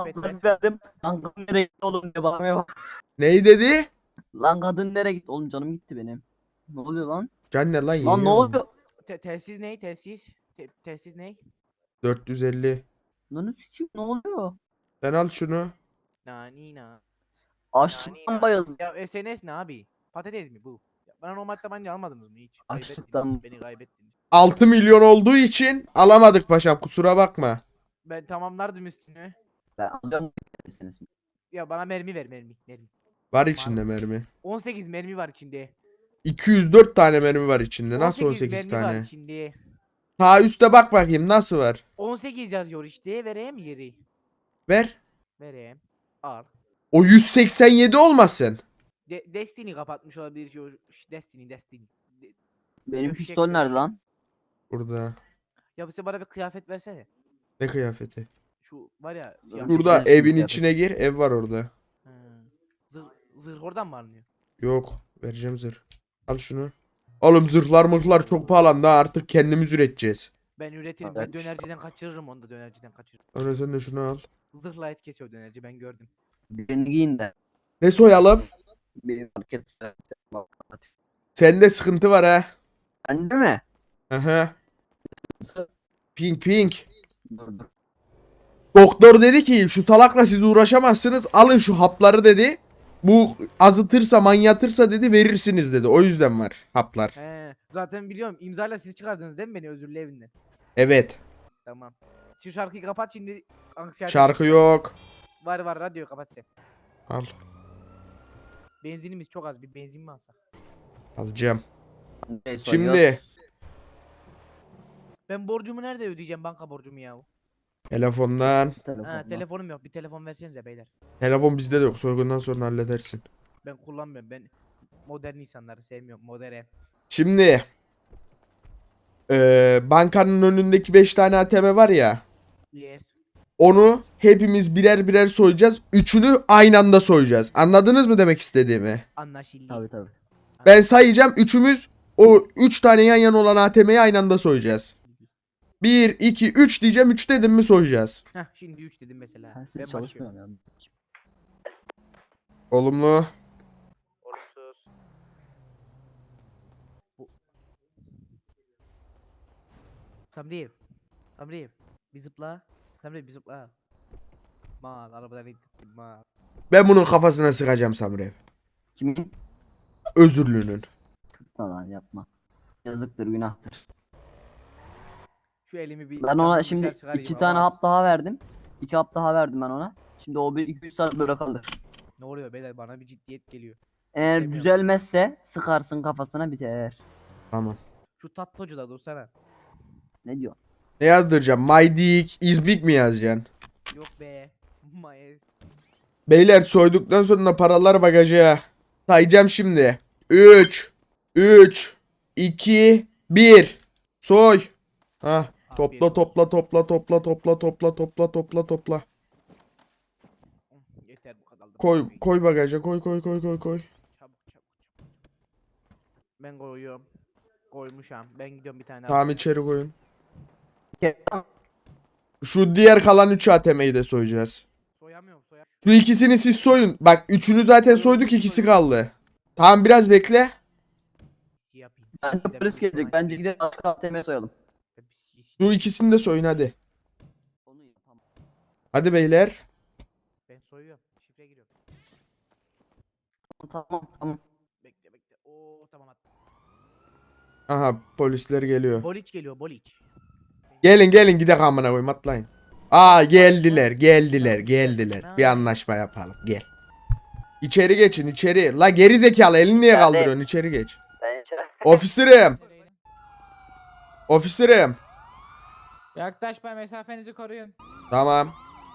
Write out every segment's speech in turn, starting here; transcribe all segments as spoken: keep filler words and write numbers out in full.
hapları verdim. Lan kadın nereye gitti oğlum diye bağırmaya bak. Neyi dedi? Lan kadın nereye gitti oğlum, canım gitti benim. Ne oluyor lan? Can ne lan Lan ne yiyor mu? oluyor? Te telsiz ney? Telsiz. Te telsiz ney? dört yüz elli. Lan sikeyim, ne oluyor? Sen al şunu. Nanina. Açlıktan bayıldım. Ya S N S ne abi? Patates mi bu? Ya bana normal tabanca almadınız mı hiç? Açlıktan. Kaybettiniz. Beni kaybettiniz. altı milyon olduğu için alamadık paşam, kusura bakma. Ben tamamlardım üstünü. Ben alacağım misiniz? Ya bana mermi ver mermi. Mermi. Var içinde mermi. on sekiz mermi var içinde. iki yüz dört tane mermi var içinde. Nasıl on sekiz mermi var tane? içinde. Ta üste bak bakayım nasıl var. on sekiz yazıyor işte. Vereyim yeri. Ver. Vereyim. Al. O yüz seksen yedi olmasın. De Destiny kapatmış olabilir şu Destiny Destiny. De Benim Döşek pistol döşek. nerede lan? Burada. Ya sen bana bir kıyafet versene. Ne kıyafeti? Şu var ya siyah. Dur. Burada Güzel evin kıyafet. içine gir. Ev var orada. Ha. Zırh, zırh oradan mı alınıyor? Yok. Vereceğim zırh. Al şunu. Oğlum zırhlar mırhlar çok pahalandı ha. Artık kendimiz üreteceğiz. Ben üretirim. Evet. Ben dönerciden kaçırırım onu da dönerciden kaçırırım. Öyle sen de şunu al. Zırhla et kesiyor dönerci ben gördüm. Birini giyin de. Ne soyalım? Bir market. Sende sıkıntı var ha. Bende mi? Aha. Pink pink. Dur dur. Doktor dedi ki şu salakla siz uğraşamazsınız. Alın şu hapları dedi. Bu azıtırsa manyatırsa dedi verirsiniz dedi. O yüzden var haplar. He, zaten biliyorum imzayla siz çıkardınız değil mi beni özürlü evinden? Evet. Tamam. Şu şarkıyı kapat şimdi. Anksiyete. Şarkı yok. Var var radyoyu kapat sen. Al. Benzinimiz çok az bir benzin mi alsak? Alacağım. Nereye soyuyor? Şimdi Ben borcumu nerede ödeyeceğim banka borcumu ya? telefondan. Ha Telefonla. telefonum yok bir telefon versenize beyler. Telefon bizde de yok. Soygundan sonra halledersin. Ben kullanmıyorum ben modern insanları sevmiyorum modern. Şimdi eee, bankanın önündeki beş tane A T M var ya. Yes. Onu hepimiz birer birer soyacağız. Üçünü aynı anda soyacağız. Anladınız mı demek istediğimi? Anlaşıldı. Tabii tabii. Ben sayacağım. Üçümüz o üç tane yan yana olan A T M'yi aynı anda soyacağız. bir, iki, üç diyeceğim. üç dedim mi soyacağız. Heh şimdi üç dedim mesela. Sensiz Ben başlıyorum. çalışmıyorum ya. Olumlu. Olumsuz. Bu... Samriyev. Samriyev. Bir zıpla. Samriyev bir zıpla. Mal arabadan indim mal. Ben bunun kafasına sıkacağım Samrev. Kimin? Özürlünün. Tutma lan, yapma. Yazıktır, günahtır. Şu elimi bir Ben ona yandan şimdi dışarı çıkarayım, iki hava tane alsın. hap daha verdim. İki hap daha verdim ben ona. Şimdi o bir iki üç saat böyle kalır. Ne oluyor beyler bana bir ciddiyet geliyor. Eğer İstemiyorum. düzelmezse sıkarsın kafasına, biter. Tamam. Şu tatlıcı da dursana. Ne diyor? Ne yazdıracağım? My dick is big mi yazacaksın? Yok be. Mayes. Beyler soyduktan sonra paralar bagaja. Sayacağım şimdi. üç, üç, iki, bir. Soy. Hah. Topla topla topla topla topla topla topla topla topla. Yeter bu kadar. da Koy bakmayın. koy bagaja koy koy koy koy koy. Çabuk çabuk çabuk. Ben koyuyorum. Koymuşam. Ben gidiyorum bir tane Tamam alayım. içeri koyun. Ke- Şu diğer kalan üç A T M'yi de soyacağız. Soyamıyorum soyamıyorum. Şu ikisini siz soyun. Bak üçünü zaten soyduk, ikisi kaldı. Tamam biraz bekle. Yapayım. Bence Sizden polis bir gelecek. ihtimal- Bence gidelim başka A T M'ye soyalım. Ben bir- bir- Şu ikisini de soyun hadi. Onu yapamam. Hadi beyler. Ben soyuyorum. Şifre giriyorum. Tamam tamam. Bekle bekle. Oo tamam attım. Aha polisler geliyor. Boliç geliyor boliç. Gelin gelin gidelim amına koyayım, atlayın. Aa geldiler geldiler geldiler. Bir anlaşma yapalım gel. İçeri geçin içeri. La geri zekalı elini niye Ya de- kaldırıyorsun, içeri geç. Ben içeri. Ofisirim. Ofisirim. Yaklaşma mesafenizi koruyun. Tamam.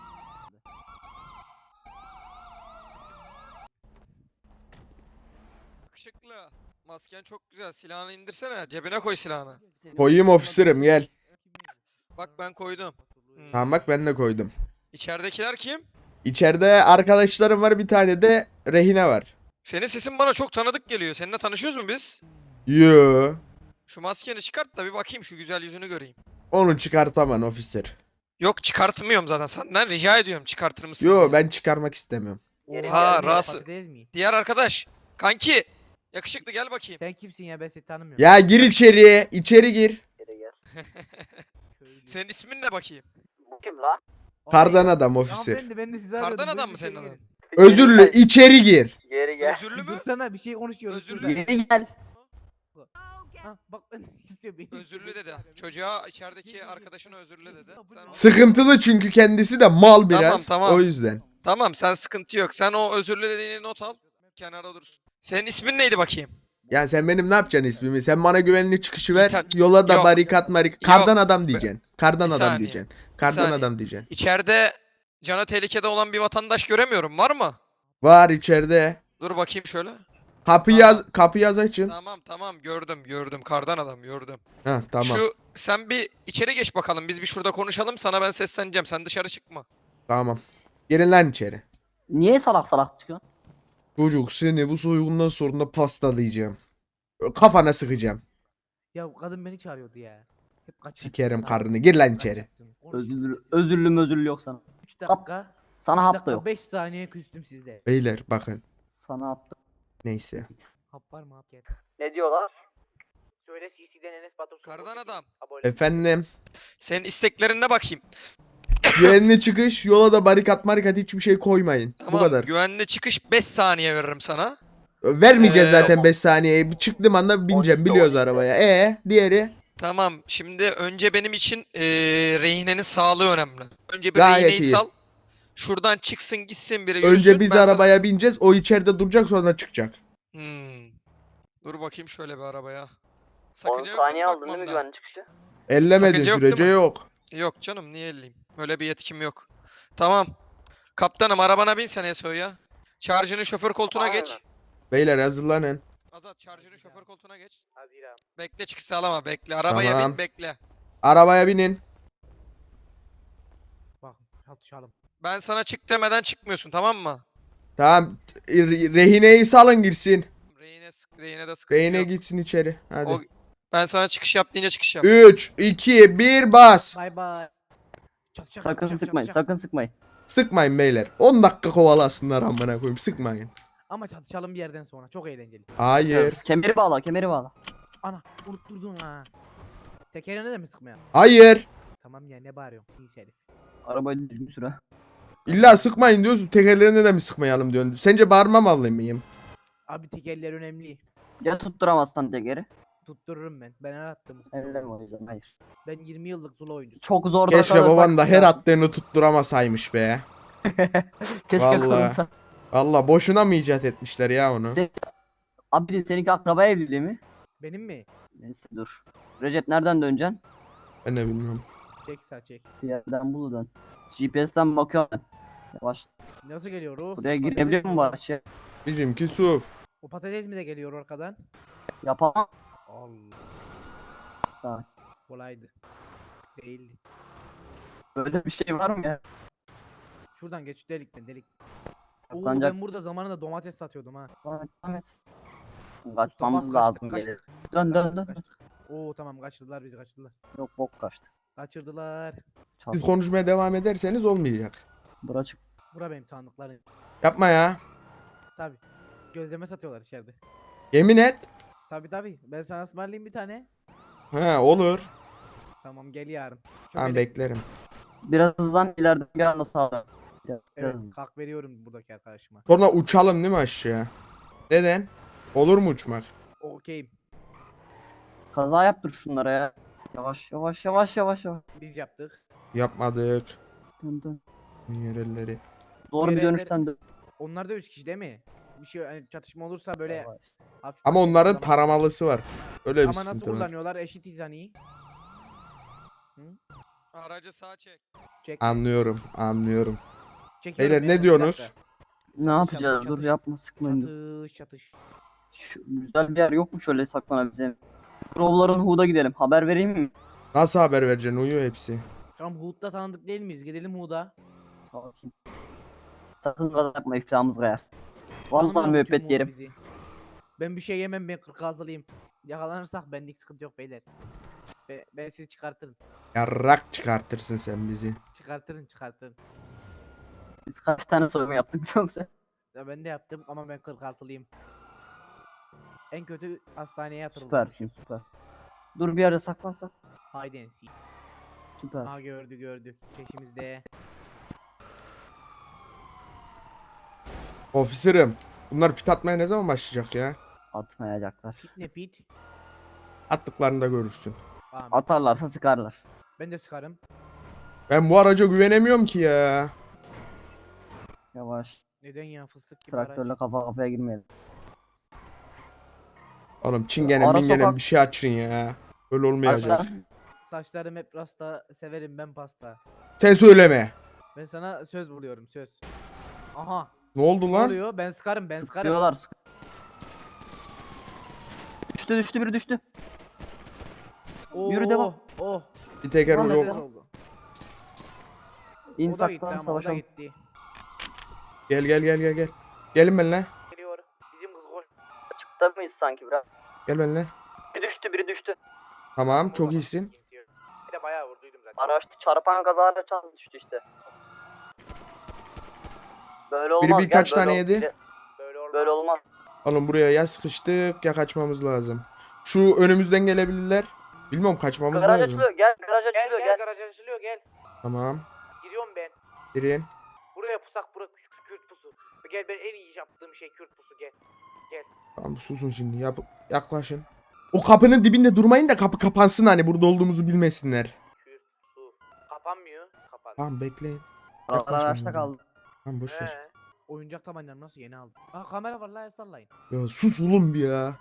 Yakışıklı. Masken çok güzel. Silahını indirsene. Cebine koy silahını. Koyayım ofisirim, gel. Bak ben koydum. Hmm. Tamam bak ben de koydum. İçeridekiler kim? İçeride arkadaşlarım var, bir tane de rehine var. Senin sesin bana çok tanıdık geliyor. Seninle tanışıyoruz mu biz? Yo. Şu maskeni çıkart da bir bakayım şu güzel yüzünü göreyim. Onu çıkartamam ofisir. Yok çıkartmıyorum zaten. Senden rica ediyorum çıkartır mısın Yo diye. ben çıkarmak istemiyorum. Ha, Oha, Rası. patates mi? Diğer arkadaş. Kanki. Yakışıklı gel bakayım. Sen kimsin ya, ben seni tanımıyorum. Ya gir içeriye. içeri gir. Köylü. Senin ismin ne bakayım? Bu kim la? Kardan Ay, adam ofisir. hanımefendi, ben de sizi Kardan arıyordum, adam buyurun mı içeri senin gelin. adın? Özürlü içeri gir. Geri gel. Özürlü Bir mü? dursana, bir şey konuşuyoruz. Özürlü şurada. dedi. Geri gel. Ha, bak ben istiyor beni. Özürlü istiyor, dedi. beni çağırıyor. Çocuğa Gel, içerideki gel, arkadaşına gel. özürlü dedi. Bu Sen ne? onu- Sıkıntılı çünkü kendisi de mal biraz. tamam. O yüzden. Tamam sen sıkıntı yok. Sen o özürlü dediğini not al. Kenara dursun. Senin ismin neydi bakayım? Ya sen benim ne yapacaksın ismimi? Sen bana güvenli çıkışı ver. İta- Yola da Yok. barikat marik. Kardan adam diyeceksin. Kardan Bir adam saniye. diyeceksin. Kardan saniye. adam diyeceksin. İçeride canı tehlikede olan bir vatandaş göremiyorum. Var mı? Var içeride. Dur bakayım şöyle. Kapı Tamam. yaz kapı yaz açın. Tamam tamam gördüm gördüm. Kardan adam gördüm. Ha tamam. Şu sen bir içeri geç bakalım. Biz bir şurada konuşalım. Sana ben sesleneceğim. Sen dışarı çıkma. Tamam. Girin lan içeri. Niye salak salak çıkıyorsun? Çocuk seni bu soygundan sonra pastalayacağım. Kafana sıkacağım. Ya bu kadın beni çağırıyordu ya. Hep kaçın. Sikerim karnını. Gir lan içeri. Özürlü, özürlü mözürlü yok sana. üç dakika. Sana üç hap da dakika yok. beş saniye küstüm sizde. Beyler bakın. Sana hap da. Neyse. Hap var mı hap gel. Ne diyorlar? Söyle C C'den Enes Batur. Kardan adam. Efendim. Senin isteklerine bakayım. Güvenli çıkış. Yola da barikat marikat hiçbir şey koymayın. Tamam. Bu kadar. Güvenli çıkış beş saniye veririm sana. Vermeyeceğiz Ee, zaten beş saniyeyi. Bir çıktığım anda bineceğim. on iki, Biliyoruz on iki. arabaya. E diğeri. Tamam. Şimdi önce benim için eee rehinenin sağlığı önemli. Önce bir Gayet rehineyi iyi. sal. Şuradan çıksın gitsin biri yürüsün. Önce biz ben sana- arabaya bineceğiz. O içeride duracak sonra çıkacak. Hmm. Dur bakayım şöyle bir arabaya. on Sakınca yok değil saniye mi aldın değil mi bakmamda? güvenli çıkışı? Ellemediğin Sakınca yok değil sürece mi? yok. Yok canım niye elleyeyim? Öyle bir yetkim yok. Tamam. Kaptanım arabana bin sen Esoy ya. Şarjının şoför koltuğuna Aynen. geç. Beyler hazırlanın. Azat şarjının şoför koltuğuna geç. Haziran. Bekle çıkış sağlama bekle. Arabaya Tamam. bin bekle. Arabaya binin. Bak çatışalım. Ben sana çık demeden çıkmıyorsun tamam mı? Tamam. re- Rehineyi salın girsin. Rehine, sık- rehine de sıkıntı Rehine yok. gitsin içeri. Hadi. O, ben sana çıkış yap deyince çıkış yap. üç, iki, bir bas. Bay bay. Çat çat Sakın çat çat sıkmayın, çat. sakın sıkmayın. Sıkmayın beyler. on dakika kovalasınlar amına koyayım. Sıkmayın. Ama çatışalım bir yerden sonra. Çok eğlenceli. Hayır. Kemeri bağla, kemeri bağla. Ana unutturdun ha. Tekerine de mi sıkmayan? Hayır. Tamam ya, ne bağırıyorsun? İyi herif. Arabayı düzgün süre. İlla sıkmayın diyorsun. Tekerlerine de mi sıkmayalım diyorsun. Sence bağırmamalı mıyım? Abi tekerler önemli. Ya tutturamazsan tekeri. Tuttururum ben. Ben her attım. Elleme o yüzden, hayır. Ben yirmi yıllık Zula oyuncusuyum. Çok zor. Keşke baban da her attığını tutturamasaymış be. Keşke Vallahi. kalınsa. Valla boşuna mı icat etmişler ya onu? Se- Abi de seninki akraba evliliği mi? Benim mi? Neyse dur. Recep nereden döneceksin? Ben de bilmiyorum. Çek sağ çek. Bir yerden bul dön. G P S'ten bakıyorum ben. Yavaş. Nasıl geliyor o? Buraya Patates girebiliyor mi mu o? bari şey? Bizimki su. O patates mi de geliyor arkadan? Yapamam. Allah. Sağ. Kolaydı. Değildi. Böyle bir şey var mı ya? Şuradan geç, delikten delik. Oo, Saklanacak. ben burada zamanında domates satıyordum ha. Devam et. Usta Kaçmamız bas, lazım kaçtık, gelir. kaçtık, Dön dön kaçtık, dön. kaçtık. Oo tamam, kaçırdılar bizi, kaçırdılar. Yok bok kaçtı. Kaçırdılar. Çal. Siz konuşmaya devam ederseniz olmayacak. Bura çık. Bura benim tanıdıklarım. Yapma ya. Tabi. Gözleme satıyorlar içeride. Yemin et. Tabi tabi. Ben sana ısmarlayayım bir tane. Ha olur. Tamam gel yarın. Çok Tamam ele- beklerim. Biraz hızlan ileriden bir anda sağdan. Biraz, Evet, biraz. kalk veriyorum buradaki arkadaşıma. Sonra uçalım değil mi aşağı? Neden? Olur mu uçmak? Okeyim. Kaza yaptır şunlara ya. Yavaş yavaş yavaş yavaş yavaş. Biz yaptık. Yapmadık. Dön dön. Yerelleri. Doğru bir Diğer dönüşten dön. Onlar da üç kişi değil mi? Bir şey hani çatışma olursa böyle Yavaş. hafif Ama hafif onların zaman- taramalısı var. Öyle bir Ama nasıl sıkıntı var. kullanıyorlar? Eşitiz hani. Aracı sağa çek. Çek. Anlıyorum, anlıyorum. Çekiyorum Beyler, ne beyler, bir diyorsunuz? dakika. Ne Çatış, yapacağız? çatış, Dur çatış. yapma sıkmayın. dur. Çatış çatış. Şu, güzel bir yer yok mu şöyle saklanabileceğim? Crow'ların Hood'a gidelim. Haber vereyim mi? Nasıl haber vereceksin? Uyuyor hepsi. Tamam, Hood'da tanıdık değil miyiz? Gidelim Hood'a. Sakin. Sakın gaza yapma, iflahımız kayar. Vallahi Tanımıyor mu müebbet tüm yerim. Hood bizi? Ben bir şey yemem, ben kırk altılıyım. Yakalanırsak benlik sıkıntı yok beyler. Be- ben sizi çıkartırım. Yarrak çıkartırsın sen bizi. Çıkartırın çıkartırın. Biz kaç tane soyma yaptık biliyor musun? Ya ben de yaptım ama ben kırk altılıyım. En kötü hastaneye yatırıldım. Süpersin süper. Dur bir yerde saklansak. Haydi ensi. Süper. Ha gördü gördü. Peşimizde. Ofisirim. Bunlar pit atmaya ne zaman başlayacak ya? Atmayacaklar. Pit ne pit? Attıklarında görürsün. Tamam. Atarlarsa sıkarlar. Ben de sıkarım. Ben bu araca güvenemiyorum ki ya. Yavaş. Neden ya fıstık gibi araç. Traktörle kafa kafaya girmeyelim. Oğlum çingene Ara mingene sokak- bir şey açın ya. Öyle olmayacak. Aşağı. Saçlarım hep rasta, severim ben pasta. Sen söyleme. Ben sana söz vuruyorum söz. Aha. Ne oldu Ne lan? oluyor? Ben sıkarım ben sıkarım. Sıkıyorlar. sık- Düştü düştü biri düştü. Oo, Yürü, devam. Oh. Bir teker Tamam, yok. Nefes oldu. İn O da gitti saklan ama o da savaşalım. gitti. Gel gel gel gel gel. Gelin benimle. Geliyor. Bizim kız koş. Açıkta mıyız sanki biraz? Gel benimle. Biri düştü biri düştü. Tamam çok iyisin. Bir de bayağı vurduydum zaten. Araçta çarpan kazayla çarptı düştü işte. Böyle Biri olmaz. birkaç gel, böyle tane ol- yedi. gel, Böyle olmaz. Böyle olmaz. Oğlum buraya ya sıkıştık ya kaçmamız lazım. Şu önümüzden gelebilirler. Bilmiyorum kaçmamız Garaj lazım. açılıyor gel garaj Gel açılıyor gel gel. garaj açılıyor gel. Tamam. Giriyorum ben. Girin. Buraya pusak bura küçük Kürt pusu. Gel ben en iyi yaptığım şey Kürt pusu gel. Tamam susun şimdi. Yap yaklaşın. O kapının dibinde durmayın da kapı kapansın hani burada olduğumuzu bilmesinler. Kürt pusu. Kapanmıyor. Kapan. Tamam bekleyin. Araçlar Yaklaşmayın araçta buraya. kaldı. Tamam boş ver. He. Oyuncak tabancam nasıl yeni aldım. Aa kamera var la el sallayın. Ya sus oğlum bir ya.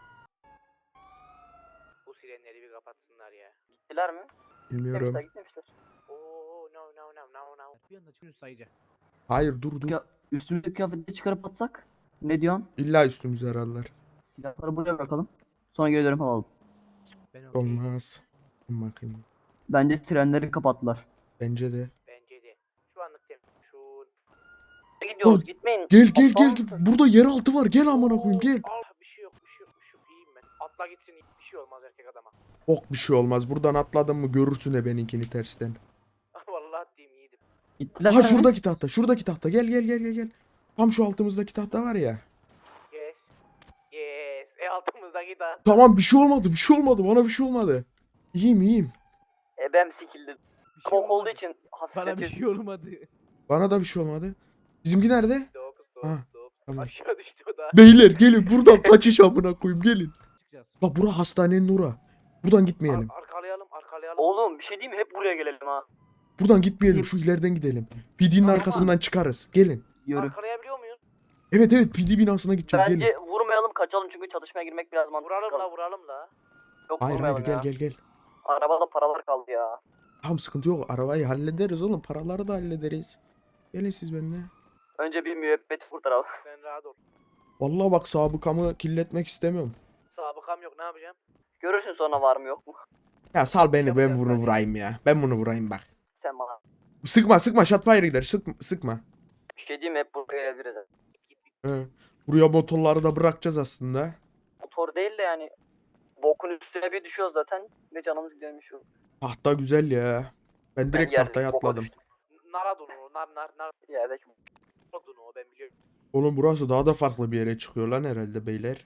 Bu sirenleri bir kapatsınlar ya. Gittiler mi? Bilmiyorum. Gitmemişler gitmemişler. Oo no no no no no. Bir anda çıkıyor sayıcı. Hayır dur dur. Ya, üstümüzdeki kıyafetleri çıkarıp atsak? Ne diyorsun? İlla üstümüze herhalde. Silahları buraya bırakalım. Sonra geri dönüp alalım. Ben okey. Olmaz. Bakayım. Bence trenleri kapattılar. Bence de. Bence de. Şu anlık tem. Şu. Gidiyoruz Lan, gitmeyin. Gel gel Aptal gel. mısın? Burada yeraltı var. Gel amına koyayım gel. Al bir şey yok bir şey yok bir şey yok. İyiyim ben. Atla gitsin bir şey olmaz erkek adama. Ok bir şey olmaz. Buradan atladın mı görürsün de benimkini tersten. Vallahi diyeyim iyiydim. Gittiler Ha mi? şuradaki tahta. Şuradaki tahta. Gel gel gel gel gel. Tam şu altımızdaki tahta var ya. Yes. Yes. E altımızdaki da. Tamam bir şey olmadı. Bir şey olmadı. Bana bir şey olmadı. İyiyim iyiyim. Ebem sikildi. Bir şey Kok olduğu olmadı. için Bana bir hafifletiyor. şey olmadı. Bana da bir şey olmadı. Bizimki nerede? Stop stop Ha, stop. tamam. Aşağı düştü o da. Beyler gelin buradan kaçış amına koyayım gelin. Çıkacağız. La bura hastanenin ora. Buradan gitmeyelim. Ar- arkalayalım arkalayalım. Oğlum bir şey diyeyim mi? Hep buraya gelelim ha. Buradan gitmeyelim. Şu ileriden gidelim. P D'nin Tamam. arkasından çıkarız. Gelin. Yürü. Arkalayabiliyor muyuz? Evet evet P D binasına gideceğiz. Gelin. Bence vurmayalım kaçalım çünkü çatışmaya girmek biraz mantıklı. Vuralım la vuralım la. Yok Hayır hayır vurmayalım gel ya. gel gel. Arabada paralar kaldı ya. Tamam sıkıntı yok. Arabayı hallederiz oğlum. Paraları da hallederiz. Gelin siz benimle. Önce bir müebbet kurtaralım. Sen rahat ol. Vallahi bak sabıkamı kirletmek istemiyorum. Sabıkam yok ne yapacağım? Görürsün sonra var mı yok mu? Ya sal beni ben Yapacağız bunu bence. vurayım ya. Ben bunu vurayım bak. Sen bana. Sıkma sıkma shotfire gider. Sıkma. sıkma. Bir şey diyeyim mi? Hep buraya gelebiliriz. He. Buraya motorları da bırakacağız aslında. Motor değil de yani. Bokun üstüne bir düşüyoruz zaten. Ve canımız gidiyormuş. Tahta güzel ya. Ben direkt yerdeki tahtaya boka atladım. düştüm. Nara donu nar nar nar Yerdeki donu ben biliyorum. Oğlum burası daha da farklı bir yere çıkıyor lan herhalde beyler.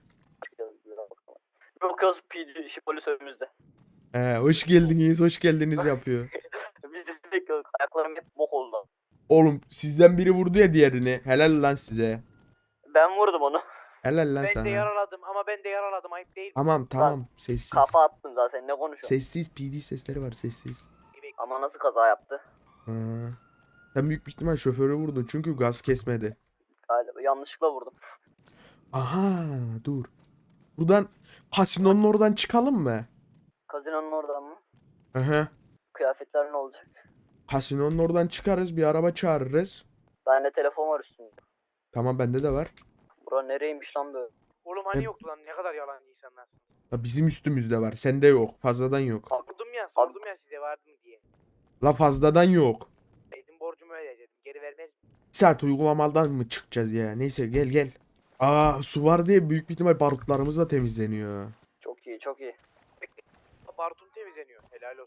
Yok yok P D işi polis önümüzde. He, hoş geldiniz, hoş geldiniz yapıyor. Biz de sürekli ayaklarım hep bok oldu. Oğlum sizden biri vurdu ya diğerini. Helal lan size. Ben vurdum onu. Helal lan Ben de sana. yaraladım ama ben de yaraladım ayıp değil mi? Tamam tamam sessiz. Kafa attın zaten ne konuşuyorsun? Sessiz P D sesleri var sessiz. Ama nasıl kaza yaptı? Ha. Sen büyük bir ihtimal şoförü vurdun çünkü gaz kesmedi. Galiba yanlışlıkla vurdum. Aha dur. Buradan kasinonun oradan çıkalım mı? Kazinonun oradan mı? Aha. Kıyafetler ne olacak? Kasinonun oradan çıkarız bir araba çağırırız. Bende telefon var üstünde. Tamam bende de var. Bura nereymiş lan böyle? Oğlum hani yoktu lan ne kadar yalancı insanlarsın. Ya bizim üstümüzde var. Sende yok. Fazladan yok. Sordum ya sordum ya size vardı mı diye. La fazladan yok. Dedim borcumu ödeyeceğim geri vermez. Bir saat uygulamadan mı çıkacağız ya? Neyse gel gel. Aa su var diye büyük bir ihtimal barutlarımız da temizleniyor. Çok iyi çok iyi. Barutun temizleniyor helal olsun.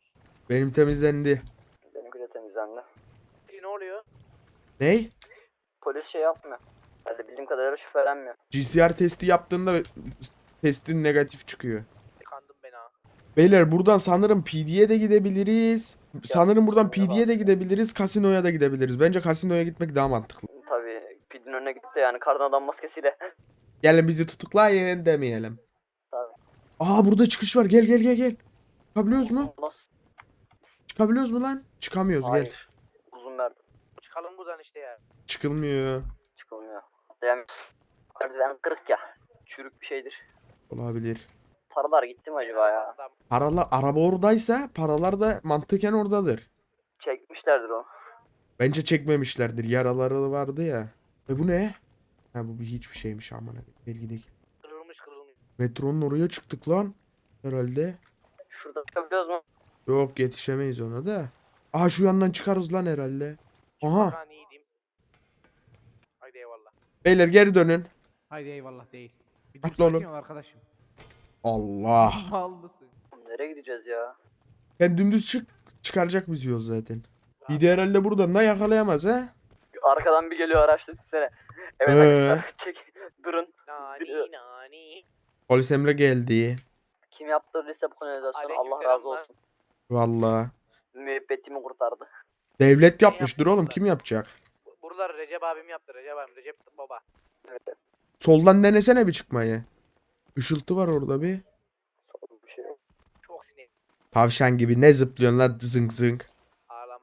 Benim temizlendi. Benimki de temizlendi. Ne oluyor? Ney? Polis şey yapmıyor. Hadi bildiğim kadarıyla şüphelenmiyor. G C R testi yaptığında testin negatif çıkıyor. Kandım ben ha. Beyler buradan sanırım P D'ye de gidebiliriz. Sanırım buradan P D'ye de gidebiliriz, kasinoya da gidebiliriz. Bence kasinoya gitmek daha mantıklı. Tabii pidin önüne gitti yani kardan adam maskesiyle. Gelin bizi tutuklayın demeyelim. Tabii. Aa burada çıkış var. Gel gel gel gel. Çıkabiliyoruz mu? Nasıl? Çıkabiliyoruz mu lan? Çıkamıyoruz gel. Hayır. Uzun verdim. Çıkalım buradan işte ya. Çıkılmıyor. Çıkılmıyor. Yani merdiven kırık ya. Çürük bir şeydir. Olabilir. Paralar gitti mi acaba ya? Adam. Paralar araba oradaysa paralar da mantıken oradadır. Çekmişlerdir onu. Bence çekmemişlerdir. Yaraları vardı ya. E bu ne? Ha bu bir hiçbir şeymiş aman. Gel gidelim. Kırılmış kırılmış. Metronun oraya çıktık lan. Herhalde. Şurada çıkabiliyoruz mu? Yok yetişemeyiz ona da. Aha şu yandan çıkarız lan herhalde. Aha. Ben iyiydim. Haydi eyvallah. Beyler geri dönün. Haydi eyvallah değil. Bir dur Atla oğlum. sakin ol arkadaşım. Allah. Mal mısın? Nereye gideceğiz ya? Sen dümdüz çık. Çıkaracak bizi yol zaten. Bir de herhalde buradan da yakalayamaz ha. Arkadan bir geliyor araçta üstüne. Evet Ee? arkadaşlar çek. Durun. Nani nani. Polis Emre geldi. Kim yaptırdıysa bu kanalizasyonu Allah Aleykümselam razı lan. olsun. Vallahi. Müebbetimi kurtardı. Devlet yapmıştır yaptı oğlum. bunlar? Kim yapacak? Buraları Recep abim yaptı. Recep abim. Recep baba. Evet. Soldan denesene bir çıkmayı. Işıltı var orada bir. Bir şey yok. Çok sinir. Tavşan gibi ne zıplıyorsun lan zınk zınk. Ağlam.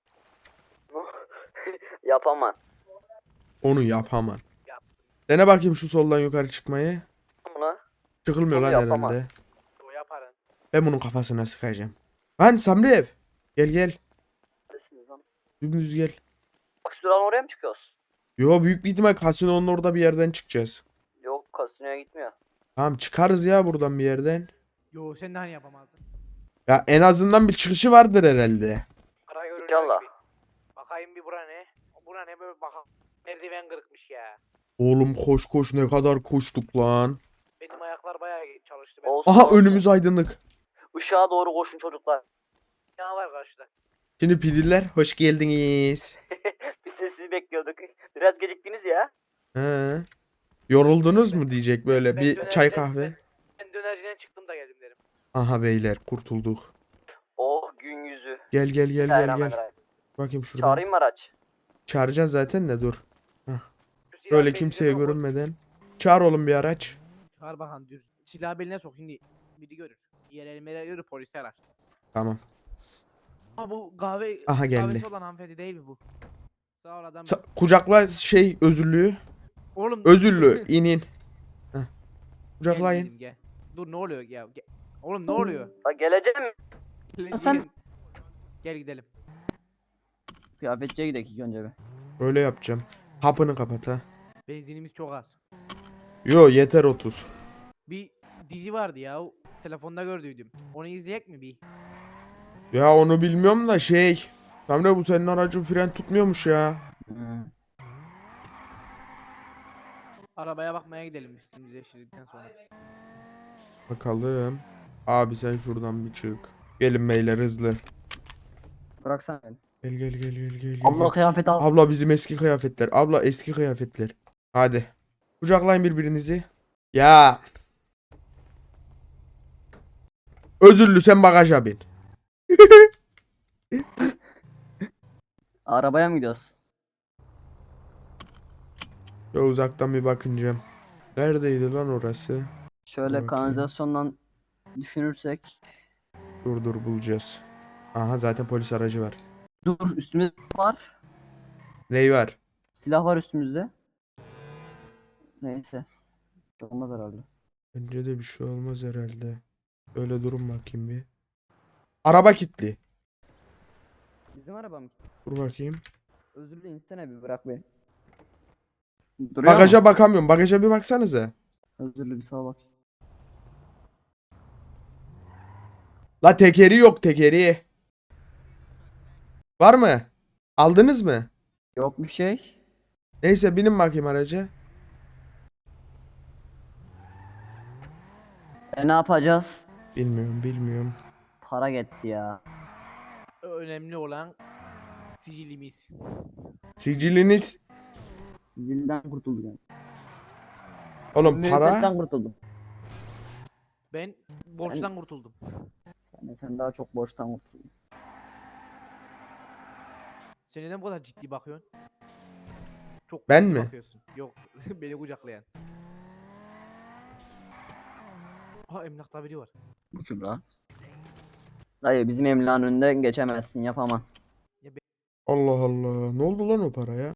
Yapamam. Onu yapamam. Yaptım. Dene bakayım şu soldan yukarı çıkmayı. Buna Çıkılmıyor Onu lan yapamam. herhalde. O yaparın. Ben bunun kafasına sıkacağım. Lan Samrev. Gel gel. neredesiniz lan? Dümdüz gel. Bak şuradan oraya mı çıkıyoruz? Yo büyük bir ihtimal kasinonun orada bir yerden çıkacağız. Yok kasinoya gitmiyor. Tamam çıkarız ya buradan bir yerden. Yo sen de hani yapamazdın. Ya en azından bir çıkışı vardır herhalde. Kara görünüyor İnşallah. gibi. Bakayım bir bura ne? Bura ne böyle baka. Merdiven kırıkmış ya. Oğlum koş koş ne kadar koştuk lan. Benim ayaklar bayağı çalıştı. Ben... Olsun, Aha olsun. önümüz aydınlık. Işığa doğru koşun çocuklar. Ne var karşıda? Şimdi pidiller hoş geldiniz. Biz de sizi bekliyorduk. Biraz geciktiniz ya. He. Yoruldunuz mu diyecek böyle Ben bir dönerciden- çay kahve. Ben dönerciden çıktım da geldim derim. Aha beyler kurtulduk. Oh gün yüzü. Gel gel gel gel gel. Bismillahirrahmanirrahim. Bakayım şuradan. Çağırayım mı araç? Çağıracağız zaten de dur. Şu silah Böyle beynine kimseye sok. görünmeden. Çağır oğlum bir araç. Çağır bakan düz. Silahı beline sok şimdi. Biri görür. Yer elmere görür polis arar. Tamam. Ama bu kahve Aha geldi. kahvesi olan hanımefendi değil mi bu? Sağ ol adam. Sa- kucakla şey özürlüğü. Oğlum Özürlü inin. Heh. Gel Kucaklayın. dedim, gel. Dur ne oluyor ya? Gel. Oğlum ne oluyor? Ha geleceğim. Gel, sen- gel. Gel gidelim. Kıyafetçiye gidelim ilk önce bir. Öyle yapacağım. Hapını kapat ha. Benzinimiz çok az. Yo yeter otuz. Bir dizi vardı ya. o Telefonda gördüydüm. Onu izleyek mi bir? Ya onu bilmiyorum da şey. Tamam bu senin aracın fren tutmuyormuş ya. Hmm. Arabaya bakmaya gidelim üstümüzü değiştirdikten sonra. Bakalım. Abi sen şuradan bir çık. Gelin beyler hızlı. Bıraksana beni. Gel gel gel gel gel. gel. Allah kıyafet al. Abla bizim eski kıyafetler. Abla eski kıyafetler. Hadi. Kucaklayın birbirinizi. Ya. Özürlü sen bagaja bin. Arabaya mı gidiyoruz? Ya uzaktan bir bakınca. Neredeydi lan orası? Şöyle Bakayım. kanalizasyondan düşünürsek. Dur dur bulacağız. Aha zaten polis aracı var. Dur üstümüzde var. Ney var? Silah var üstümüzde. Neyse. Olmaz herhalde. Bence de bir şey olmaz herhalde. Öyle durun bakayım bir. Araba kilitli. Bizim araba mı? Dur bakayım. Özür dilerim istene bir bırak beni. Duruyor Bagaja mu? bakamıyorum. Bagaja bir baksanıza. Özür dilerim sağa bak. La tekeri yok tekeri. Var mı? Aldınız mı? Yok bir şey. Neyse binin bakayım araca. E ne yapacağız? Bilmiyorum bilmiyorum. Para gitti ya. önemli olan sicilimiz. Siciliniz. Sicilden kurtulduk yani. Oğlum para. Müebbetten kurtuldum. Ben borçtan kurtuldum. Yani sen daha çok borçtan kurtuldun. Sen neden bu kadar ciddi bakıyorsun? Çok Ben ciddi mi? bakıyorsun. Yok, beni kucaklayan. Ha, emlakta biri var. Bu kim la? Dayı bizim emlakın önünden geçemezsin, yapamam. Allah Allah. Ne oldu lan o paraya?